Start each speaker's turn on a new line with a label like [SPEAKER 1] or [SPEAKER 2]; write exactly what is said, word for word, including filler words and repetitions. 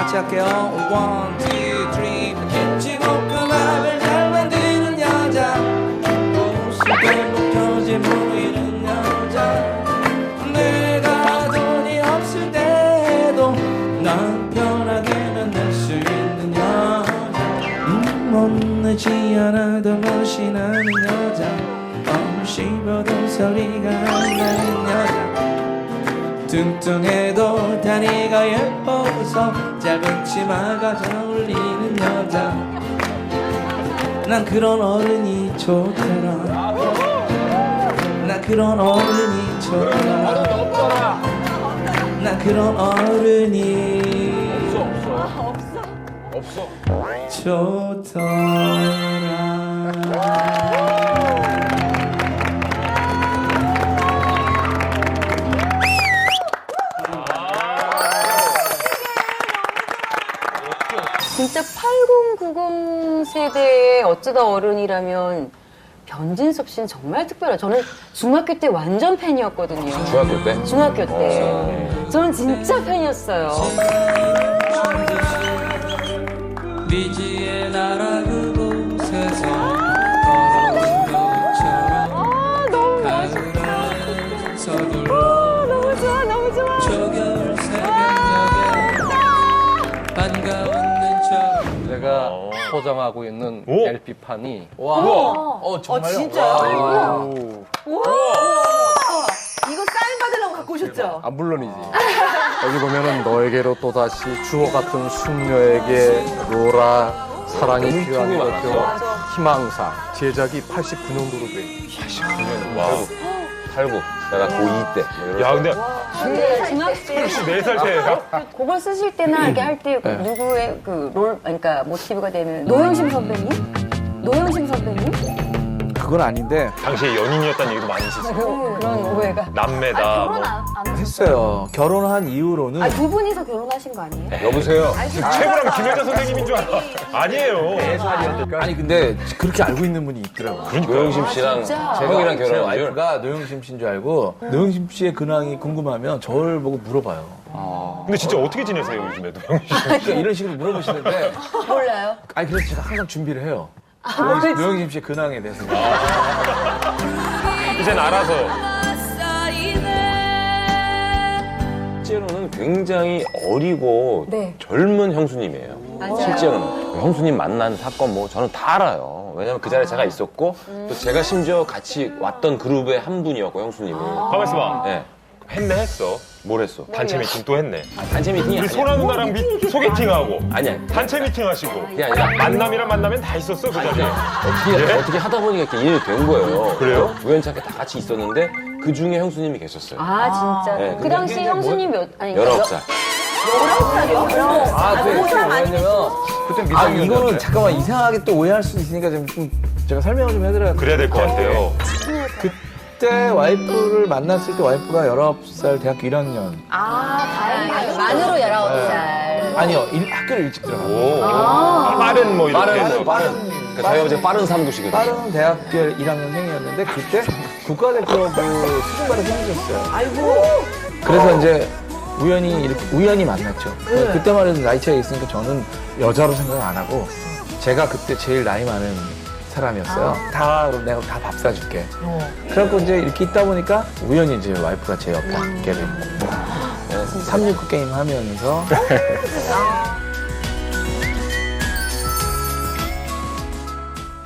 [SPEAKER 1] 같이 할게요. One, two, three. 김치볶음밥을 잘 만드는 여자, 옷을 벗겨지 보이는 여자, 내가 돈이 없을 때도 난 편하게 만날 수 있는 여자, 음, 못내지 않아도 멋이 나는 여자, 어, 씹어도 소리가 안 나는 여자, 뚱뚱해도 다리가 예뻐서 짧은 치마가 잘 어울리는 여자, 난 그런 어른이 좋더라. 나 그런 어른이 좋더라. 나 그런 어른이
[SPEAKER 2] 없어 없어
[SPEAKER 1] 좋더라.
[SPEAKER 3] 진짜 팔십, 구십 세대의 어쩌다 어른이라면 변진섭 씨는 정말 특별해요. 저는 중학교 때 완전 팬이었거든요.
[SPEAKER 2] 중학교 때?
[SPEAKER 3] 중학교 때. 저는 진짜 팬이었어요.
[SPEAKER 1] 미지의 나라 그곳에서 걸어온 것처럼
[SPEAKER 3] 아, 너무
[SPEAKER 1] 가을은 서둘러
[SPEAKER 3] 너무 좋아, 너무 좋아.
[SPEAKER 1] 초겨울 새벽녘에 반가운 눈처럼.
[SPEAKER 4] 제가 소장하고 있는
[SPEAKER 2] 오?
[SPEAKER 4] 엘피판이
[SPEAKER 1] 와,
[SPEAKER 4] 어 정말요?
[SPEAKER 3] 진짜요?
[SPEAKER 4] 와.
[SPEAKER 5] 이거 사인 받으려고 갖고 오셨죠?
[SPEAKER 4] 아 물론이지. 여기 보면은 너에게로 또다시 주호 같은 숙녀에게 로라 사랑이 필요한 것죠. 희망사 제작이 팔십구 년도로 돼.
[SPEAKER 2] 팔십구 년 와우 팔구 내가 고이 때 뭐
[SPEAKER 6] 야, 근데
[SPEAKER 3] 근데 중학교 때
[SPEAKER 6] 네 살 때예요?
[SPEAKER 3] 그걸 쓰실 때나 이렇게 할 때
[SPEAKER 4] 네.
[SPEAKER 3] 누구의 그 롤, 그러니까 모티브가 되는 노영심 선배님? 노영심 선배님?
[SPEAKER 1] 그건 아닌데
[SPEAKER 6] 당시에 연인이었다는 얘기도 많이 있었어요.
[SPEAKER 3] 그, 그런 오해가.
[SPEAKER 6] 남매다.
[SPEAKER 5] 결혼
[SPEAKER 6] 뭐.
[SPEAKER 5] 안, 안 하셨어요?
[SPEAKER 1] 했어요. 결혼한 이후로는
[SPEAKER 5] 아, 두 분이서 결혼하신 거 아니에요?
[SPEAKER 2] 여보세요.
[SPEAKER 6] 최고랑 김혜자 선생님인 줄 알아. 아니에요.
[SPEAKER 1] 아니 근데 그렇게 알고 있는 분이 있더라고요.
[SPEAKER 2] 노영심 씨랑 형이랑
[SPEAKER 1] 제
[SPEAKER 2] 결혼한 줄?
[SPEAKER 1] 와이프가 노영심 씨인 줄 알고 노영심 씨의 근황이 궁금하면 저를 보고 물어봐요.
[SPEAKER 6] 근데 진짜 어떻게 지내세요, 요즘에도?
[SPEAKER 1] 그러니까 이런 식으로 물어보시는데
[SPEAKER 3] 몰라요?
[SPEAKER 1] 아니 그래서 제가 항상 준비를 해요. 노영심, 노영심 씨의 근황에 대해서.
[SPEAKER 6] 이젠 알아서.
[SPEAKER 2] 실제로는 굉장히 어리고
[SPEAKER 3] 네.
[SPEAKER 2] 젊은 형수님이에요.
[SPEAKER 3] 맞아요.
[SPEAKER 2] 실제로는 형수님 만난 사건 뭐 저는 다 알아요. 왜냐면 그 자리에 제가 있었고 또 제가 심지어 같이 왔던 그룹의 한 분이었고 형수님이.
[SPEAKER 6] 가만 있어봐.
[SPEAKER 2] 네.
[SPEAKER 6] 했네, 했어.
[SPEAKER 2] 뭘 했어?
[SPEAKER 6] 단체 미팅 또 했네.
[SPEAKER 2] 단체 미팅이
[SPEAKER 6] 우리
[SPEAKER 2] 아니야.
[SPEAKER 6] 소라 누나랑 미, 소개팅하고.
[SPEAKER 2] 아니야.
[SPEAKER 6] 단체 미팅 하시고.
[SPEAKER 2] 그게 아니라
[SPEAKER 6] 만남이랑 만나면 다 있었어, 그 자리에.
[SPEAKER 2] 어떻게, 어떻게 하다 보니까 이렇게 인연이 된 거예요.
[SPEAKER 6] 그래요?
[SPEAKER 2] 우연찮게 다 같이 있었는데 그 중에 형수님이 계셨어요.
[SPEAKER 3] 아, 진짜.
[SPEAKER 2] 네,
[SPEAKER 3] 그
[SPEAKER 2] 근데
[SPEAKER 3] 당시 형수님 몇, 아니,
[SPEAKER 2] 열아홉 살.
[SPEAKER 1] 아, 네. 왜냐면
[SPEAKER 4] 그때
[SPEAKER 1] 아
[SPEAKER 4] 미성년자인데.
[SPEAKER 1] 이거는 잠깐만 이상하게 또 오해할 수 있으니까 좀, 좀 제가 설명을 좀 해드려야
[SPEAKER 6] 그래야 될 것 같아요.
[SPEAKER 1] 그때 와이프를 만났을 때 와이프가 열아홉 살 대학교 일 학년.
[SPEAKER 5] 아, 다행이에요.
[SPEAKER 3] 만으로 열아홉 살.
[SPEAKER 1] 아니요, 일, 학교를 일찍 들어가고.
[SPEAKER 6] 오. 빠른 뭐 이렇게.
[SPEAKER 2] 빠른,
[SPEAKER 6] 해서.
[SPEAKER 2] 빠른. 그러니까 저희가 이제 빠른 삼두시거든요.
[SPEAKER 1] 빠른 대학교 일 학년생이었는데 그때 국가대표부 수준바를 생겼어요.
[SPEAKER 5] 아이고.
[SPEAKER 1] 그래서 이제 우연히 이렇게 우연히 만났죠. 그때만 해도 나이 차이가 있으니까 저는 여자로 생각 안 하고 제가 그때 제일 나이 많은 사람이었어요. 다 그럼 내가 다 밥 사줄게. 그래갖고 이제 이렇게 있다 보니까 우연히 이제 와이프가 제 옆에 앉게 됐고 삼육구 게임 하면서